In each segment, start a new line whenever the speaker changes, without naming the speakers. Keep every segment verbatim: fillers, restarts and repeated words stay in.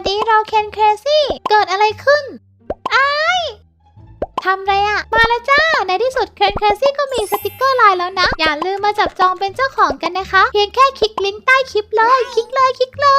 ดีเราเคนเครซี่เกิดอะไรขึ้นไอ้ทำไรอะมาแล้วจ้าในที่สุดเคนเครซี่ก็มีสติกเกอร์ไลน์แล้วนะอย่าลืมมาจับจองเป็นเจ้าของกันนะคะเพียงแค่คลิกลิงก์ใต้คลิปเลยคลิกเลยคลิกเลย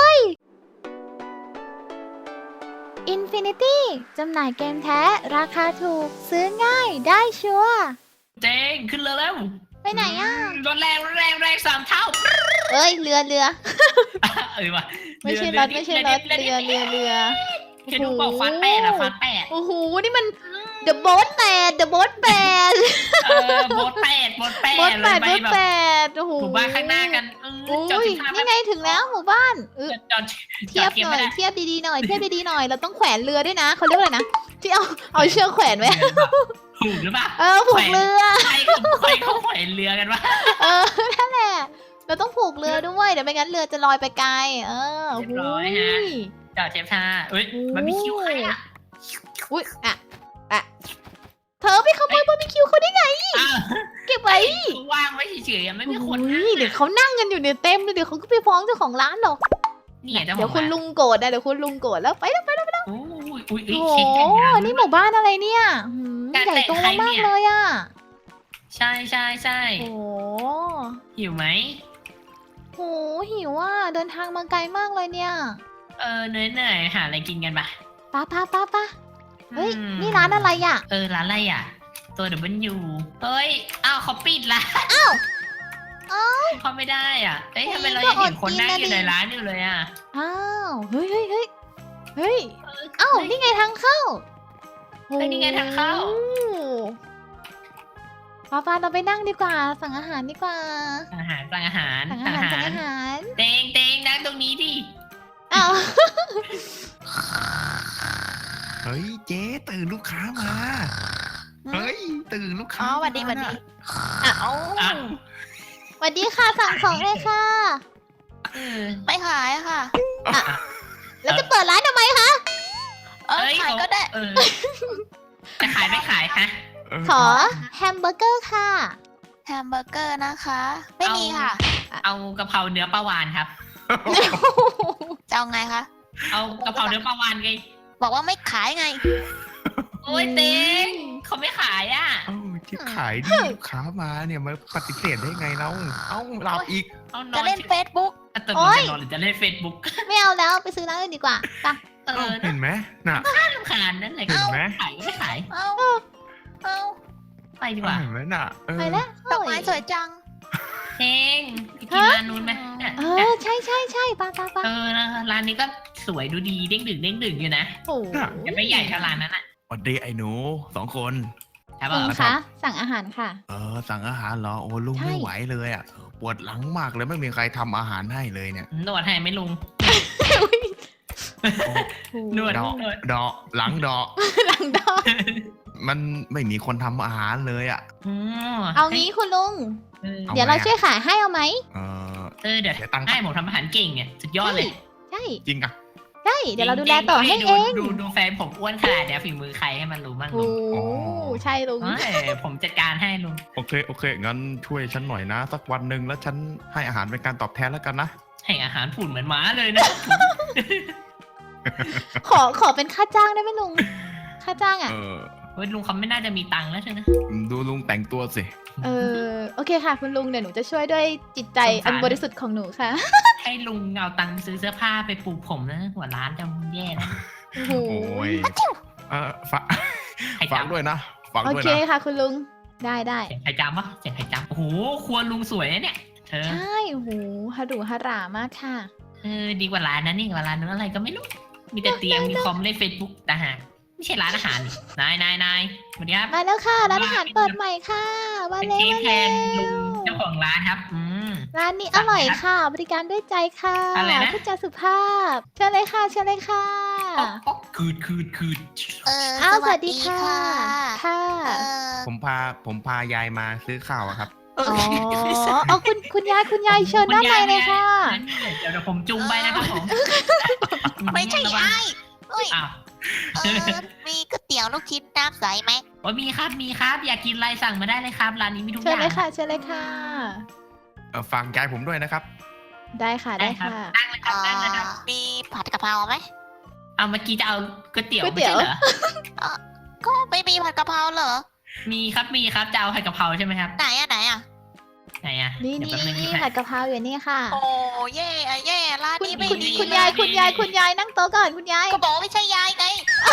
Infinity จำหน่ายเกมแท้ราคาถูกซื้อง่ายได้ชัวร์
เจ๊งขึ้นเรือแล้ว
ไปไหนอ่ะ
รถแรงรถแรงแรงสามเท่า
เอ้ยเรือเรือ
เอ้ยว่ะ
ไม่ใช่รถไม่ใช่รถเรือเรือเรือ
แค่ดูบอกฟาดแปดอะฟาดแปด
โอ้โหนี่มัน The Boat แปด The Boat แปด
เออโบสแปดโบสแปด
โบ๊ทแปดโบ๊ทแปดโอ้โห
หมู่บ้านข้างหน้ากัน
จอดนี่ไงถึงแล้วหมู่บ้าน
จอด
เทียบหน่อยเทียบดีๆหน่อยเทียบดีๆหน่อยเราต้องแขวนเรือด้วยนะเขาเรียกว่าอะไรนะที่เอาเอาเชือกแขวนไว้
ถูกหรือเปล่า
เออผูกเรือ
ใครใครเขาแขวนเรือกันวะ
เออนั่นแหละเราต้องผูกเรือด้วยเดี๋ยวไม่งั้นเรือจะลอยไปไกลเออ
เรียบร้อยฮะจอดเทียบท่าเอ้ยมันมีคิวใครอ่ะ
อุ้ยอ่ะอ่ะเธอไปขโมยบาร์บีคิวเขาได้ไงเก็บไว้
ว่างไว้เฉยๆไม่มีคน
เดี๋ยวเขานั่งกันอยู่เนี่ยเต็มเลยเดี๋ยวเขาก็ไปฟ้องเจ้าของร้านหรอกเดี๋ยวคุณลุงโกรธนะเดี๋ยวคุณลุงโกรธแล้วไปแล้วไปแล้วไปแล้ว
โอ้ยโอ้
ยนี่หมู่บ้านอะไรเนี่ยใหญ่โตมากเลยอ่ะ
ใช่ใช่ใช่
โอ้
หิวไหม
โหหิวอ่ะเดินทางมาไกลมากเลยเนี่ย
เออเหนื่อยเหนื่อยหาอะไรกินกันปะ
ป้าป้าป้าป้าเฮ้ยนี่ร้านอะไรอ่ะ
เออร้านอะไรอ่ะตัวเดี๋ยวมันอยู่เฮ้ยอ้าวเขาปิดละ
อ้าวอ้าว
เขาไม่ได้อ่ะเอ้ยทำไมเรายังเห็นคนนั่งอยู่ในร้านอยู่เลยอ่ะ
อ้าวเฮ้ยเฮ้ยเฮ้ยเฮ้ยอ้าวนี่ไงทางเข้า
เฮ้ยนี่ไงทางเข้า
ป้าป้าเราไปนั่งดีกว่าสั่งอาหารดีกว่า
สั่งอาหารสั่งอาหาร
สั่งอาหารสั่งอาหาร
เตงเตงนั่งตรงนี้ดิ
อ้าว
เฮ้ยเจ๊ตื่นลูกค้ามาเฮ้ยตื่นลูกค้า
สวัสดีสวัสดีอ้าวสวัสดีค่ะสั่งของเลยค่ะไม่ขายค่ะแล้วจะเปิดร้านทำไมคะ
เออขายก็ได้จะขายไม่ขายคะ
ขอแฮมเบอร์เกอร์ค่ะ
แฮมเบอร์เกอร์นะคะไม่มีค่ะ
เอากะเพราเนื้อปลาวานครับ
จะเอาไงคะ
เอากะเพราเนื้อปลาวานไง
บอกว่าไม่ขายไง
โอ้ยเต็งเขาไม่ขายอ่ะ
เอ้าที่ขายดิลูกค้ามาเนี่ยมาปฏิเสธได้ไงเราเอ้าหลับอีก
จะเล่นเฟซบุ๊ก
โอ้ยหรือจะเล่นเฟซบุ๊ก
ไม่เอาแล้วไปซื้อร้านอื่นดีกว่าป่ะ
เห็นไหมน่ะ
ข้าลำคาญนั่นแหละ
เห็นไหม
ขายไม่ขาย
เอาเอา
ไปดีกว่า
เห็นไหมน่ะ
ไปแล้ว
ดอกไม้สวยจัง
เองกินร้านนู้นไหม
เออใช่ใช่ใช่ป้าป้าป้า
เออร้านนี้ก็สวยดูดีเด้งดึงเด้งดึงอยู่นะ
โอ้
ยังไม่ใหญ่เท่าร้านนั้นอ่ะ
สวัสดีไอ้หนูสองคน
ครับ
ผมคะสั่งอาหารค่ะ
เออสั่งอาหารเหรอโอ้ลุงไม่ไหวเลยอ่ะปวดหลังมากเลยไม่มีใครทำอาหารให้เลยเนี่ย
นวดให้ไหมลุงนวด
ดอกหลังดอก
หลังดอก
มันไม่มีคนทำอาหารเลยอ่ะ
เอางี้คุณลุงเดี๋ยวเราช่วยขายให้เอาไหม
เออ
เออเดี๋ยวตั้งให้ผมทำอาหารเก่งเนี่ยสุดยอดเลย
ใช่
จริงอ่ะ
ใช่เดี๋ยวเราดูแลต่อให้เอง
ดูดูแฟนผมอ้วนขนาดเดี๋ยวฝีมือใครให้มันรู้บ้างลุง
โอ้ใช่ลุง
ผมจัดการให้ลุง
โอเคโอเคงั้นช่วยฉันหน่อยนะสักวันหนึ่งแล้วฉันให้อาหารเป็นการตอบแทนแล้วกันนะ
ให้อาหารผุ่นเหมือนหมาเลยนะ
ขอขอเป็นค่าจ้างได้ไหมลุงค่าจ้างอ่ะ
เฮ้ยลุงเขาไม่น่าจะมีตังค์แล้วใช่ไหม
ดูลุงแต่งตัวสิ
เออโอเคค่ะคุณลุงเดี๋ยวหนูจะช่วยด้วยจิตใจอันบริสุทธิ์ของหนูค่ะ
ให้ลุงเอาตังค์ซื้อเสื้อผ้าไปปลูกผมนะหัวร้านจะแย่นะ
โอ้โห
เออฝากฝากด้วยนะฝากด้วยนะ
โอเคค่ะคุณลุงได้ได้
เสียงใครจำวะเสียงใครจำโอ้โหครัวลุงสวยเนี่ยเธอ
ใช่โอ้โหฮารุฮารามากค่ะ
เออดีกว่าร้านนั้นนี่กว่าร้านนั้นอะไรก็ไม่รู้มีแต่เตียงมีคอมเล่นเฟซบุ๊กแต่หากไม่ใช่ร้านอาหารนายนายนายสวัสดีครับ
มาแล้วค่ะร้านอาหารเปิดใหม่ค่ะมาแล้ว
มาแล้วลุงเจ้าของร้านครับอืม
ร้านนี้อร่อยค่ะบริการด้วยใจค่ะ
อะไรนะ
พูดจาสุภาพเชิญเลยค่ะเชิญเลยค่ะ
คืดคืดคืด
เออ
สวัสดีค่ะค่ะ
ผมพาผมพายายมาซื้อข้าวครับ
อ๋ออ๋อคุณคุณยายคุณยายเชิญด้านในเลยค่ะ
เดี๋ยวผมจุงไปนะครับผม
ไม่ใช่ไอ้เฮ้ย
อ้าว
มีก๋วยเตี๋ยวลูกชิ้นน้ำใสไหม
โอ้มีครับมีครับอยากกินอะไรสั่งมาได้เลยครับร้านนี้มีทุกอย่าง
เชิญเลยค่ะเชิญเลยค่ะ
ฝากยายผมด้วยนะครับ
ได้ค่ะได้ค่ะ
นั่งเลยครับนั่งเลยครับ
มีผัดกะเพราไหม
เอาเมื่อกี้จะเอาก๋วยเตี๋ยว
ก๋วย
ไม่
เตี๋ยว
ใช่เหรอ
ก็ไม่มีผัดกะเพราเหรอ
มีครับมีครับจะเอาผัดกะเพราใช่ไหมครับ
ไหนอะไหนอะ
ไหนอ่ะ
นี่
เดี๋ยว
นี่
แป๊บนึง
นี่
นะ
ผัดกะเพราอยู่นี่ค่ะ
โอ้เย่อะเย่ร้าน
คุณ
นี้ไม่
คุณ
ดี
คุณยายคุณยายคุณยายนั่งโต๊ะก่อนคุณยาย
ก็บอกว่าไม่ใช่ยายไง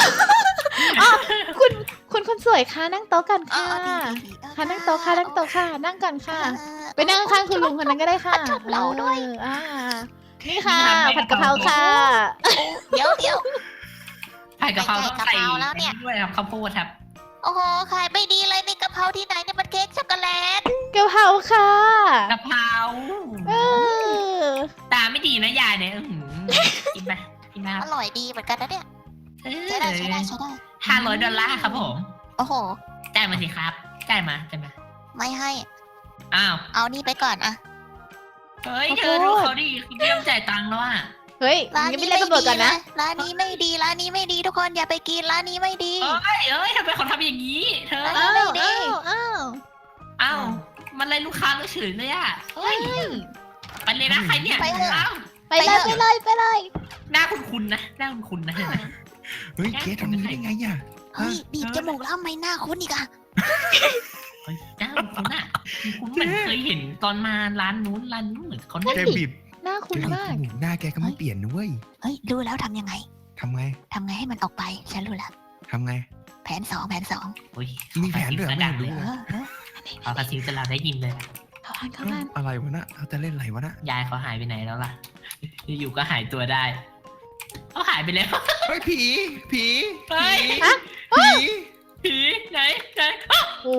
คุณคุณคนสวยค่ะนั่งโต๊ะกัน
เอ
ค่ะ
อดีดีดีเออ
ค่ะนั่งโต๊ะค่ะนั่งโต๊ะค่ะนั่งก่อนค่ะ
เออ
ไปนั่งข้างๆคุณลุงคนนั้นก็ได้ค่ะ
ชอบเราด้วย
อออ่านี่ค่ะผัดกะเพราค่ะ
เดี๋ยวเดี๋ยว
ผัดกะเพราต้อง
ใส่
ใส่
กะเพราแล้วเนี่ย
ด้วยครับข้าวโพดครับ
โอ้โหขายไม่ดีเลยนี่กะเพราที่ไหนเนี่ยมันเค้กช็อกโกแลต
กะเพราค่ะ
กะเพรา
เออ
ตาไม่ดีนะยายเนี่ยอื้อหือกินไหมกินไหมค
อ
รับ
ร่อยดีเหมือนกันนะเนี่ย
เออ
ใช้ได้ใช้ได้ใช้ได้
ห้าร้อยดอลลาร์ครับผม
โอ้โห
จ่ายมาสิครับจ่ายมาจ่ายมา
ไม่ให้
อ้าว
เอานี่ไปก่อนอะ
เฮ้ยเธอดูเขาดิเขาไม่ยอมจ่ายตังค์แล้วอ่ะ
เฮ้ย
ร้าน
งั้น
นี้
ไม่เรียกตำรวจก่อนนะ
ร้านนี้ไม่ดีร้านนี้ไม่ดีทุกคนอย่าไปกินร้านนี้ไม่ดี
เอ้ยเอ้ยทำไมเขาทำอย่างนี้ เธอ
อ้า
อ้าว
ว
อ้าวอ้าว
อ้าวมันไล่ลูกค้าเราเฉยเลยอ่ะเฮ้ย
เฮ้ย
ไปเลยนะใครเนี่ย
ไปเถอะ
อ้าว
ไปเลยไปเลยไปเลย
หน้าคุณคุณนะหน้าคุณคุณนะเห็นไหม
เฮ้ยเจ๊ทำนี้ได้ไงอ่ะ
เฮ้ยบีบจมูกแล้วทำไมหน้าคุ้นอีกอะ
เฮ้ยหน้าคุณคุณอ่ะคุณเหมือนเคยเห็นตอนมาร้านนู้นร้านนู้นเหมือนเขาเนี่ย
แกบีบ
หน้าคุณ
เจ๊บีบ
มาก
จมูกหน้าแกก็ไม่เปลี่ยนนะเว้ย
เฮ้ยรู้แล้วทำยังไง
ทำไง
ทำไงให้มันออกไปฉันรู้แล้ว
ทำไง
แผนสองแผนสอง
โอ้ย
มีแผนด้วยเหรอไม่รู้
เอ
เลย
อเออ
เอากระซิบจะเราได้ยินเลยอะ
เข้าบ้านเข้าบ้าน
อะไรวะน่ะเขาจะเล่นอะไรวะน่ะ
ยายเขาหายไปไหนแล้วล่ะอยู่ๆก็หายตัวได้เขาหายไปแล้ว
เฮ้ยผีผี
เฮ้ย
ผี
ผีไหนไหนอ้าว
โอ้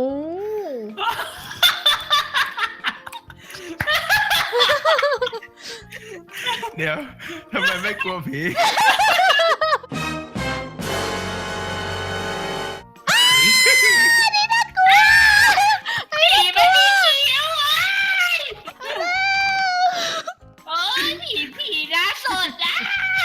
เดี๋ยวทำไมไม่กลัวผี
ผีไม่มีเขียวอ่ะโอ้ยผีผีน่าสดอ่ะ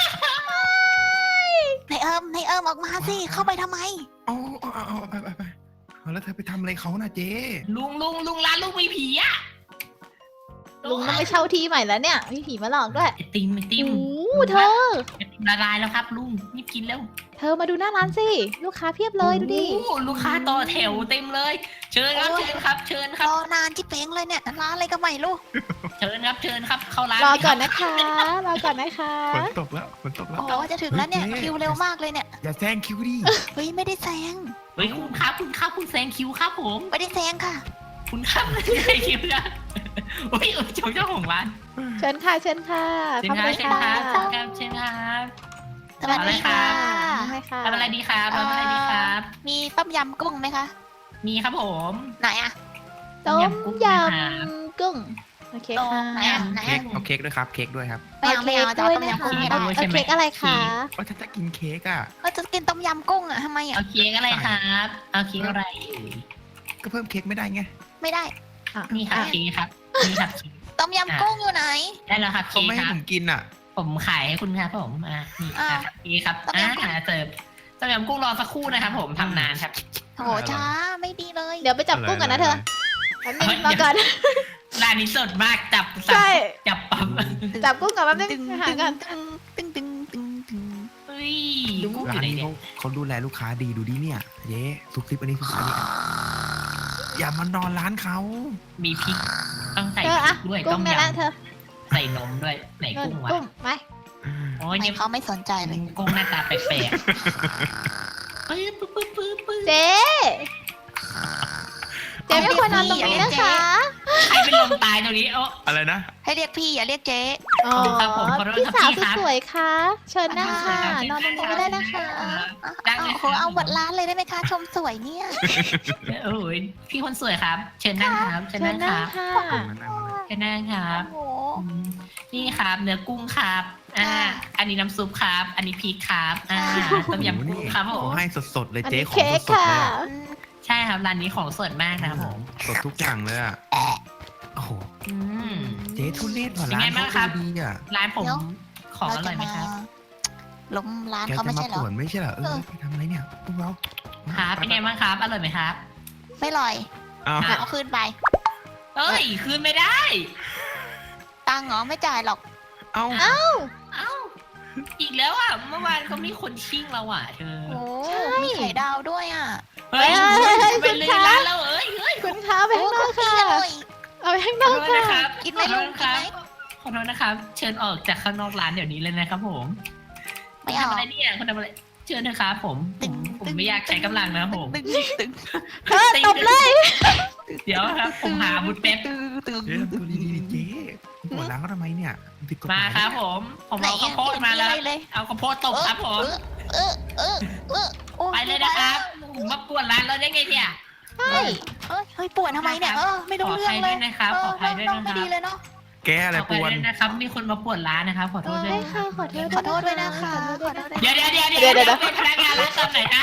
ในเอิมในเอิมออกมาสิเข้าไปทำไม
เอาเอาเอาเอาไปไปไปเอาแล้วเธอไปทำอะไรเขาน่ะเจ๊
ลุงลุงลุงร้านลุงมีผีอ่ะ
ลุงต้องไปเช่าที่ใหม่แล้วเนี่ยมีผีมาหลอกด้วย
ไอติมไอติม
โอ้เธอ
ไอติมละลายแล้วครับลุงรีบกินแล้ว
เธอมาดูหน้าร้านสิ ลูกค้าเพียบเลยดูดิ
โอ้โหลูกค้าต่อแถวเต็มเลย เชิญครับ
โอ้ย
เชิญครับ เชิญค
ร
รับ
อนานจิเป้งเลยเนี่ยร้านอะไรก็ไม่รู้
เชิญครับ เชิญครับ เข้าร้าน
รอก่อน
เลย
นะคะ รอก่อนนะคะ
ฝนตกแล้วฝนตกแล้ว
โอ้โหจะถึงแล้วเนี่ย
เฮ้ยเจ๊
คิวเร็วมากเลยเนี่ย
อย่าแซงคิวดิ
เฮ้ยไม่ได้แซง
เฮ้ยคุณครับคุณครับคุณแซงคิวครับผม
ไม่ได้แซงค่ะ
คุณครับแซงคิวนะโอ้ยเออเจ้าเจ้าของร้าน
เชิญค่ะ เชิญค่ะ
เชิญ
เข้า
ค
ไป
รับเชิญ
ค่ะ
ครับเชิญครับ
สวัสดีค่ะ
นั่งเลยค่ะ
ทำอะไรดีครับทำอะไรดีครับ
มีต้มยำกุ้งไหมคะ
มีครับผม
ไหนอะ
ต้ม
ยำกุ้ง
ย
นะครับ
ำกุ้ง โอเคค่ะ
ไหนอะไหน
เค้ก
อะ
เอาเค้กด้วยครับ เค้กด้วยครับ
ไม่เอาไม่เอาจะ
ด้
เอา
วย
ต้ม
นะ
ยำ
คะ
กุ้งไม่
เอา
ได้
เอาเค้กอะไรคะ
ว่าถ้าจะกินเค้กอ่ะ
ก็จะกินต้มยำกุ้งอะทำไมอะ
เอาเค้กอะไรครับ เอาเค้กอะไรเอ่ย
ก็เพิ่มเค้กไม่ได้ไง
ไม่ได้
อ่ะ
นี่ครับ
อ่ะ
เค้กครับนี่ครับเค้ก
ต้มยำกุ้งอยู่ไหน
ได้แล้วครับ
เขา
เค้ก
ไม่
ค
ให้
รับ
ผมกินอ่ะ
ผมขายให้คุณครับผมอ่านี่
อ่า
ครับนี่ครับ
ต้ม
อ่าย
ำกุ้ง
เสิร์ฟต้มยำกุ้งรอสักครู่นะครับผมทำนานครับ
โหช้าไม่ดีเลย
เดี๋ยวไปจับกุ้งก่อนนะเธอแป๊บนึง
เฮ้ย
รอก่อน
ร้านนี้สดมากจับสับ
ใช่
จับปั๊บ
จับกุ้งก่อนแป๊บนึ
ตึ
ง
ง
หา
ตึง
ก่อน
ตึงตึงตึงตึง
เฮ้ยกุ้งอ
ร้า
ยู่
น
ไหน
นี้
เนี่ย
เขาเขาดูแลลูกค้าดีดูดิเนี่ยเย้ซุกซิปอันนี้ซุกซิปอันนี้อย่ามานอนร้านเขา
มีพริกต้องใส่
เธอ
พริ
อะ
กด้วย
กุ้
ต้
ง
ม
เนี่ย
ย
ละเธอ
ำใส่นมด้วยไหน
เงิน
กุ้งวะ
กุ้งไป
โอ้ย
ไม่
เนี่ย
เขาไม่สนใจเลย
กุ้งหน้าตาแปลกๆปื๊ดปื๊ดปื๊ดปื๊ดปื๊ด
เจ๊เจ๊ไม่ควรนอนตรงนี้นะคะ
ใครเป็นลมตายตรงนี้โอ้
อะไรนะ
ให้เรียกพี่อย่าเรียกเจ๊
อ๋อ
ครับผมขอโทษ
พี่
ครับ
สาว
พี่ครับ
สวยๆค่ะ เชิญนั่งค่ะ
เชิญครับ
นอนตรงนี้ก็ได้นะคะ
ได้
เอา
เลย
โหเอาหมดร้านเลยได้ไหมคะชมสวยเนี่ย
โอ้ยพี่คนสวยครับ เชิญนั่งครับเชิญ
เชิ
นั่
ญ
งค
นั่ง
รับ
ค่ะ
เชิญนั่งครับ
โอ้โห
อืมนี่ครับเนื้อกุ้งครับอ่า
ค่ะ
อันนี้น้ำซุปครับ อันนี้พริกครับอ่า
ค่ะ
ต้มยำกุ้งครับผ
เขา
ม
ให้สดๆเลย
อัน
เจ๊
นี้
ของ
เค้ก
สดๆ
ค่ะ
เลยอะ
อืม
ใช่ครับร้านนี้ของสดมากนะครับผม
สดทุกอย่างเลยอ่ะโอ้โห
อืม
เจ๊ทุเรศกว่า
เป็น
ร้า
ไง
น
บ้างค
เขา
รับ
ดูดีอ่ะ
ร้านผมของอร่อยไหมครับ
ล้มร้าน
แก
เขา
จะ
ไม่
มา
ใช่เหร
ป่
อ
วนไม่ใช่เหรอเอ
เอ
อ
อ
ไปทำอะไรเนี่ยพวกเรา
ครับเป็นไงบ้างครับ อร่อยไหมครับ
ไม่ลอย
อ้าว
เอาคืนไป
เอ้ย คืนไม่ได้
ตังค์เหรอไม่จ่ายหรอก
เอ้า
เอ้าอีกแล้วอ่ะเมื่อวานเขามีคนชิ่งเราอ่ะเธอ
โอ้มีไข่ดาวด้วยอ่ะ
เฮ้ย
เฮ้ยเฮ้ย
ไปเลยร้านเราเอ้ยเฮ้ย
คุณคะไป
โอ้
ข้างน
คุ
อก
กกี้
ค่ะ
อร่อย
เอาไปข้างน
ขอ
อก
โทษ
ค่ะ
นะครับ
กินไหม
ขอโท
ลุ
ษ
ง
ค
กิน
รับ
ไหม
ขอโทษนะครับ เชิญออกจากข้างนอกร้านเดี๋ยวนี้เลยนะครับผม
ไม่
ทำ
เอา
อะไรเนี่ยคุณทำอะไรเชิญนะครับผมผมผมไม่อยากใช้กำลังนะครับผม
ตึงตึง
เธอตบเลย
เดี๋ยวครับผมหาบุญแป๊บ
ตึงตึง
เจ๊ทำตัวดีๆดิเจ๊ปวดหลังก็ทำไมเนี่ยผิดกฎห
มา
าย
ครับผม ผมเอาข้าวโพดมาแล้ว
เลย
เอาข้าวโพดตบครับผม
เออเออเออโอ้
ไปเลยนะครับผมมาปวดร้านเราได้ไงเนี่ย
ใช่
เฮ้ยเฮ้ยปวดทำไมเนี่ยเออไม่
ข
รู้
ออ
เรื่อ
ภั
ง
ย
เล
ด้วย ยนะครับ ขออภัยด้วย
น้อง
นะค
ไม่
รับ
ดีเลยเนาะ
แกอะไร
ขออ
ป
ภัยว
ด
ด้วยนะครับ มีคนมาปวดร้านนะครับ ขอโทษด้วย
ใช่
นะค
ค่ะ
รับ
ขอโทษ
ขอโทษด้วยนะคะ
ขอโทษด้วยนะคะ
เดี๋ยวเดี๋ยวเดี๋ยว
เดี๋ยวเดี๋ยว
เดี๋ยวเป็นพนักงานร้านตอนไหนนะ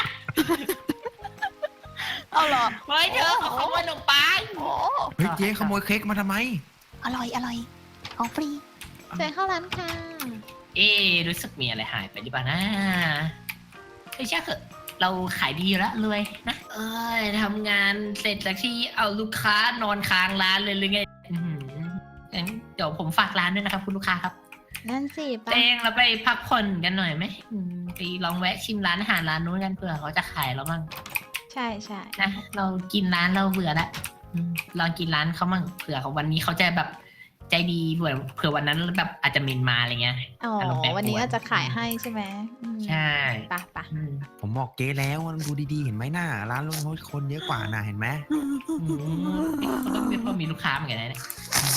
เอาเหรอ
เฮ้ยเธอขอขโมยขนมปัง
โอ้
เฮ้ยเจ๊ขโมยเค้กมาทำไม
อร่อยอร่อยของฟรี
เชิญเข้าร้านค่ะ
เอ๊ะรู้สึกมีอะไรหายไปหรือเปล่านะเฮ้ยช่างเถอะเราขายดีอยู่แล้วรวยนะเอ้ยทำงานเสร็จจากที่เอาลูกค้านอนค้างร้านเลยหรือไงอื้อหืองั้นเดี๋ยวผมฝากร้านด้วยนะครับ คุณลูกค้าครับ
นั่นสิไป
เตงเราไปพักผ่อนกันหน่อยไหมอืมไปลองแวะชิมร้านอาหารร้านนู้นกันเผื่อเขาจะขายเราบ้าง
ใช่ใช่
นะเรากินร้านเราเบื่อละอืมลองกินร้านเขาบ้างเผื่อเขาวันนี้เขาจะแบบใจดีเผื่อเผื่อวันนั้นแบบอาจจะเมนมาอะไรเงี้ย
อ๋อ
อารมณ์แปรปรวน
วันนี้อาจจะขายให้ใช่ไหมอืม
ใช่
ไปไป
อืม
ผมบอกเจ๊แล้วว่าดูดีๆเห็นไหมหน้าร้านรถคนเยอะกว่าน่ะเห็นไหม
อืมเขาต้องมีมีลูกค้าเหมือนกันนะเนี่ย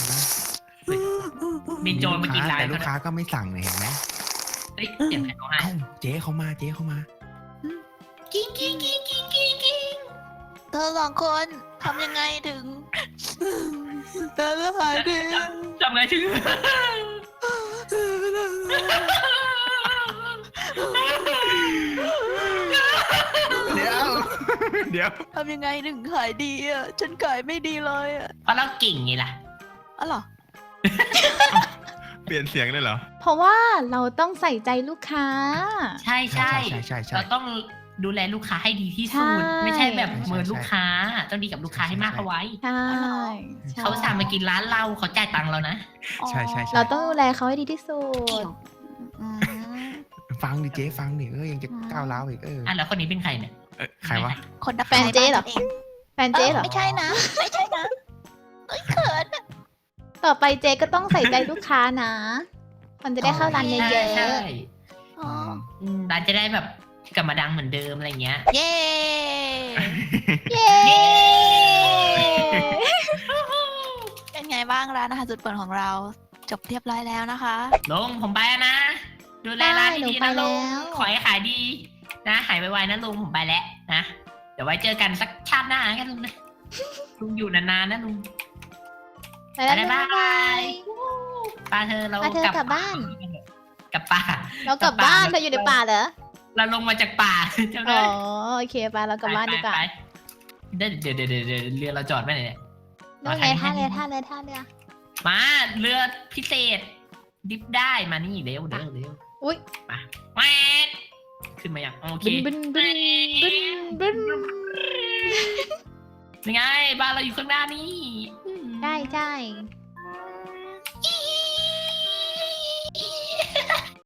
มีโจรมากินร้าน
แต่
เขา
ลูกค้าก็ไม่สั่งเลยเห็นไหม
เฮ้ยเสียงใครร้องไห้
เอ้าเจ๊เขามาเจ๊เขามา
กิ้งกิ้งกิ้งกิ้งกิ้งกิ้ง
เธอสองคนทำยังไงถึงเธอจะหายดี
จำไงถึง
เดี๋ยวเดี๋ยว
ทำยังไงถึงขายดีอ่ะฉันขายไม่ดีเลยอ่ะ
เพราะเราเก่งไงล่ะ
อ๋อเหรอ
เปลี่ยนเสียงได้เหรอ
เพราะว่าเราต้องใส่ใจลูกค้า
ใช่ใช่
ใช่ใช่ใช่
เราต้องดูแลลูกค้าให้ดีที่สุด
ใช่
ไม่ใช่แบบ
ใช่ใช่
เมินลูกค้าต้องดีกับลูกค้าให้มาก
ใช่
เอาไว้
ใช่ใช่
เขาสั่งมากินร้านเราเขาจ่ายตังค์เรานะ
ใช่ใช่ใช่
เราต้องดูแลเขาให้ดีที่สุด
อืม
ฟังดิเจ๊ฟังดิเออยังจะก้าวร้าวอีกเออ
อ่ะแล้วคนนี้เป็นใครเนี่ย
เอ้ยใครวะ
คนดับ
แฟนเจ๊เหรอ
ไฟบ้านฉันง
แฟนเจ๊เหรอ
ไม่ใช่นะ ไม่ใช่นะเอ้ยเขิน
ต่อไปเจ๊ก็ต้องใส่ใจลูกค้านะ มันจะได้เข้าร้านเย
ใช่
อะ
ใช่
อ๋อ
อืมร้านจะได้แบบกลับมาดังเหมือนเดิมอะไรเงี้ย
เย้
ๆ เย้
เป็นไงบ้างร้านอาหารสุดโปรดของเรา จบเรียบร้อยแล้วนะคะ
ลุงผมไปแล้วนะ ดูแลร้านดีๆนะลุงขอให้ขายดี นะหายไวๆนะลุงผมไปแล้วนะเดี๋ยวไว้เจอกันสักชาติหน้ากันลุงนะลุงอยู่นานๆนะลุง
ไปแล้ว
บ๊าย
บ๊าย
บา
บาย ย
ป้าเธอเรา
ป้าเธอกลับบ้าน
กลับป่า
เรากลับบ้านเธออยู่ในป่าเหรอ
เราลงมาจากป่าจำ
อ๋
ได้
อโอเคไปเรากลับบ้านดีกว่า
ไปๆเดี๋ยวเดี๋ยวเดี๋ยวเดี๋ยวเรือเราจอดไว้ไหนเนี่ย
นู่นไงท่าเรือท่าเรือท่าเรือ
มาเรือพิเศษ ดิฟได้มานี่เร็วเร็วเร็ว
อุ๊ย
มาแหวกขึ้นมาอย่างโอเค
บึนบึนบึนบึนบึน
ยังไงบ้านเราอยู่ข้างหน้านี่อืม
ใช่ใช่